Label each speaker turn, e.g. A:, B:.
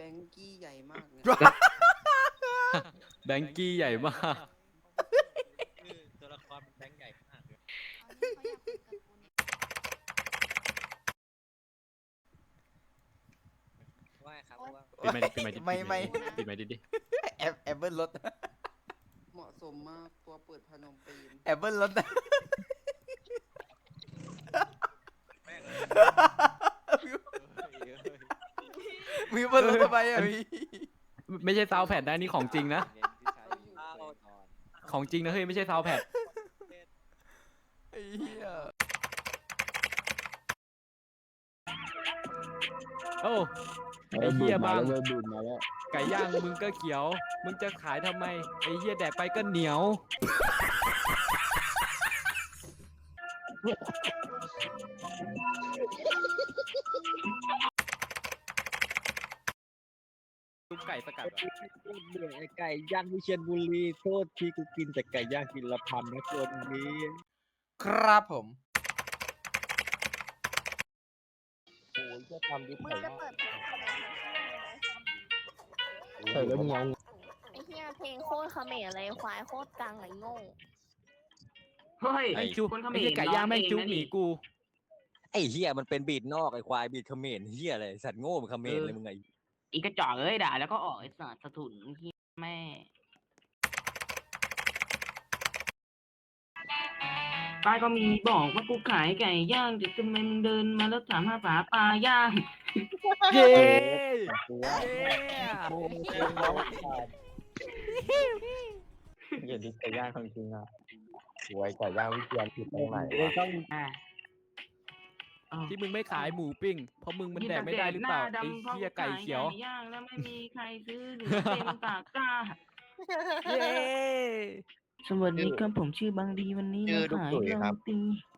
A: งกี้ใหญ่มากเนี่ย
B: แบงกี้ใหญ่มาก
C: คือตัวละครมันแบงค์ใหญ่มากเลย
D: เอานี่เขาอยากเป็นการ์ตูน
C: ว่าไงครับว่า
B: ปิดไมค์
E: ไม่
B: ปิดไมค์ดิ
E: แอปเปิลรถ
A: เหมาะสมมากตัวเปิดพนมปีน
E: แอปเปิลรถ
C: แม่ง
E: มีเปิลรถทำไมอ่ะพี่
B: ไม่ใช่ซาวแพดนะนี่ของจริงนะ ของจริงนะเฮ้ยไม่ใช่ซาวแพด
E: ไอ้เหี้ย
B: โอ้ไอ้เหี้ยบ้าง
F: ดูดมาแล้ว
B: ไก่ย่างมึงก็เขียว มึงจะขายทำไมไอ้เหี้ยแดกไปก็เหนียวลูกไก่สกัด
F: เบื่อไอ้ไก่ย่างวิเชียรบุรีโทษทีกูกินแต่ไก่ย่างกินละพันนะคนนี้
E: ครับผม
F: โอ้ยจะทำดิ
D: มึง
F: ไก่
D: จะเปิดเพลงอะไร
F: ใส่แล้วเงา
D: ไอ้เหี้ยเพลงโคตรเขมรอะไรควายโคตรกังไอ้โง่
G: เฮ้ย
B: ไอ้จุ๊บ
G: คนเขม
B: ไอ้
G: ร
B: เหี้ยไก่ย่างแม่งจุ๊บ
G: ร้อง
B: ห
G: เอ
B: นี
G: งนะ
B: กู
C: ไอ้เฮียมันเป็นบีดนอกไอ้ควายบีดเขมรเฮียอะไรสัตว์โง่มันเขมรเลยมึงไง
G: อีกระจอกเอ้ยด่าแล้วก็ออกไอ้สัตว์สะทุนเหี้ยแม่ป้ายก็มีบอกว่ากูขายไก่ย่างแต่ทำไมมึงเดินมาแล้วถามหาปลาย่าง
B: เย้
F: ตัวอย่าดิไก่ย่างของจริงอ่ะสวยไก่ย่างวิเชียรผิดตรงไหนวะ
G: อ่ะอ้าว
B: ที่มึงไม่ขายหมูปิ้งเพราะมึงมันแดกไม่ได้หรือเปล่าไอ้เหี้ยไก่เขียว
G: ไก่ย่างแล้วไม่มีใครซื้อหรือเต็มตะกร้า
B: เย้
G: สวัสดีครับผมชื่อบางดีวันนี้มาขายโรตี